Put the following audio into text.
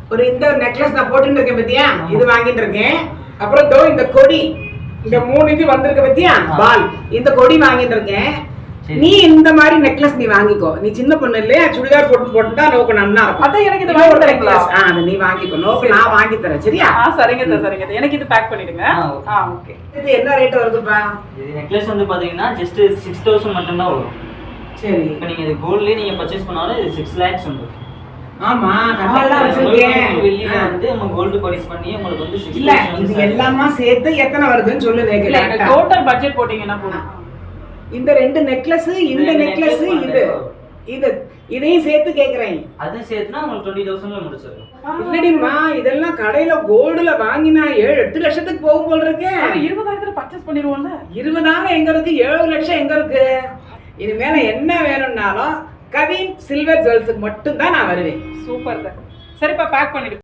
ஒரு இந்த நெக்லஸ் நான் போட்டுட்டு இருக்கேன் பத்தியா, இது வாங்கிட்டு இருக்கேன். அப்புறம் தோ இந்த கொடி, இந்த 3 இது வந்திருக்கு பத்தியா பால், இந்த கொடி வாங்கிட்டு இருக்கேன். நீ இந்த மாதிரி நெக்லஸ் நீ வாங்கிக்கோ. நீ சின்ன பொண்ணு இல்லையா, சுடிதார் போட்டு போட்டுட்டா நோக்கு நல்லா இருக்கும். அத எனக்கு இது வாங்கி தரீங்களா? அது நீ வாங்கிக்கோ, நோக்கு நான் வாங்கி தரேன். சரியா? சரிங்க சரிங்க. எனக்கு இது பேக் பண்ணிடுங்க. ஓகே. இது என்ன ரேட் வருதுப்பா? இது நெக்லஸ் வந்து பாத்தீங்கன்னா ஜஸ்ட் 6000 மட்டும் தான் வரும். சரி. இப்போ நீங்க இது கோல்ட்லயே நீங்க பர்சேஸ் பண்ணாலும் இது 6 lakhs வந்துரும். ஆமா, கல்லெல்லாம் வச்சிருக்கேன். வெள்ளில வந்து நம்ம கோல்ட் பர்சேஸ் பண்ணி உங்களுக்கு வந்து 6 இல்ல, இது எல்லாமே சேர்த்து எத்தனை வருதுன்னு சொல்லு. டோட்டல் பட்ஜெட் போடிங்கன்னா போதும். இந்த 2 நெக்லஸ், இந்த நெக்லஸ், இது இதையும் சேர்த்து கேக்குறேன். அது சேர்த்துனா உங்களுக்கு 20000ல முடிச்சிரும். இல்லடிமா, இதெல்லாம் கடையில கோல்டுல வாங்கினா 7-8 லட்சத்துக்கு போகும் போல இருக்கு. 20000ல பர்ச்சேஸ் பண்ணிடுவோம்ல. 20,000 எங்க இருக்கு, 7 லட்சம் எங்க இருக்கு? இது மேல என்ன வேணும்னாலும் கவின் சில்வர் ஜுவல்ஸுக்கு மட்டும் தான் நான் வருவேன். சூப்பர். சரிப்பா, பேக் பண்ணிடு.